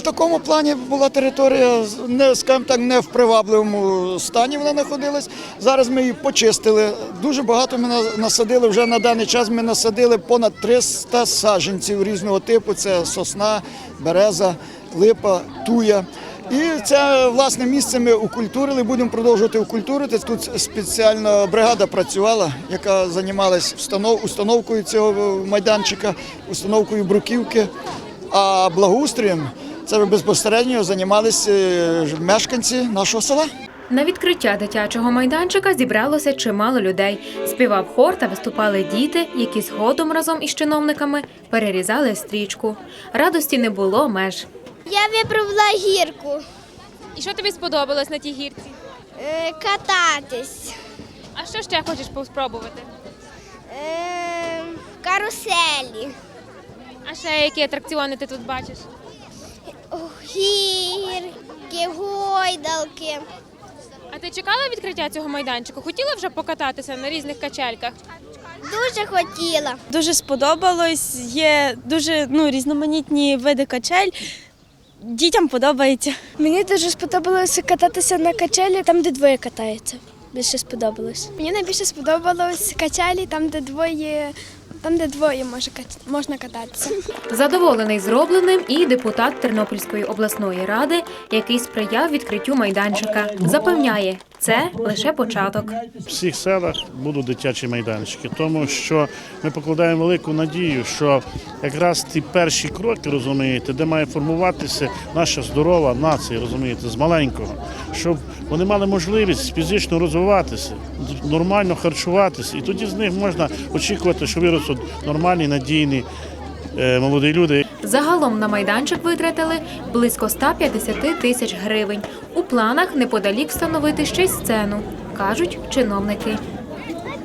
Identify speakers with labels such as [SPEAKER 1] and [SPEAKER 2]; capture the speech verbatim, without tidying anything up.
[SPEAKER 1] такому плані була територія, не, скажімо так, не в привабливому стані вона знаходилась. Зараз ми її почистили. Дуже багато ми насадили, вже на даний час ми насадили понад триста саджанців різного типу. Це сосна, береза, липа, туя. І це, власне, місце ми укультурили, будемо продовжувати укультурити. Тут спеціальна бригада працювала, яка займалась установкою цього майданчика, установкою бруківки, а благоустроєм це безпосередньо займалися мешканці нашого села.
[SPEAKER 2] На відкриття дитячого майданчика зібралося чимало людей. Співав хор та виступали діти, які згодом разом із чиновниками перерізали стрічку. Радості не було меж.
[SPEAKER 3] Я вибрала гірку.
[SPEAKER 4] І що тобі сподобалось на тій гірці?
[SPEAKER 3] Е, кататись.
[SPEAKER 4] А що ще хочеш спробувати?
[SPEAKER 3] Е, каруселі.
[SPEAKER 4] А ще які атракціони ти тут бачиш?
[SPEAKER 3] Гірки, гойдалки.
[SPEAKER 4] А ти чекала відкриття цього майданчику? Хотіла вже покататися на різних качельках?
[SPEAKER 3] Дуже хотіла.
[SPEAKER 5] Дуже сподобалось, є дуже ну, різноманітні види качель. Дітям подобається.
[SPEAKER 6] Мені дуже сподобалося кататися на качелі, там, де двоє катаються. Більше сподобалось. Мені найбільше сподобалось качелі, там, де двоє, там, де двоє може, можна кататися.
[SPEAKER 2] Задоволений зробленим і депутат Тернопільської обласної ради, який сприяв відкриттю майданчика. Запевняє, це лише початок.
[SPEAKER 7] В всіх селах будуть дитячі майданчики, тому що ми покладаємо велику надію, що якраз ті перші кроки, розумієте, де має формуватися наша здорова нація, розумієте, з маленького, щоб вони мали можливість фізично розвиватися, нормально харчуватися, і тоді з них можна очікувати, що виростуть нормальні, надійні молоді люди.
[SPEAKER 2] Загалом на майданчик витратили близько ста п'ятдесяти тисяч гривень. У планах неподалік встановити ще й сцену, кажуть чиновники.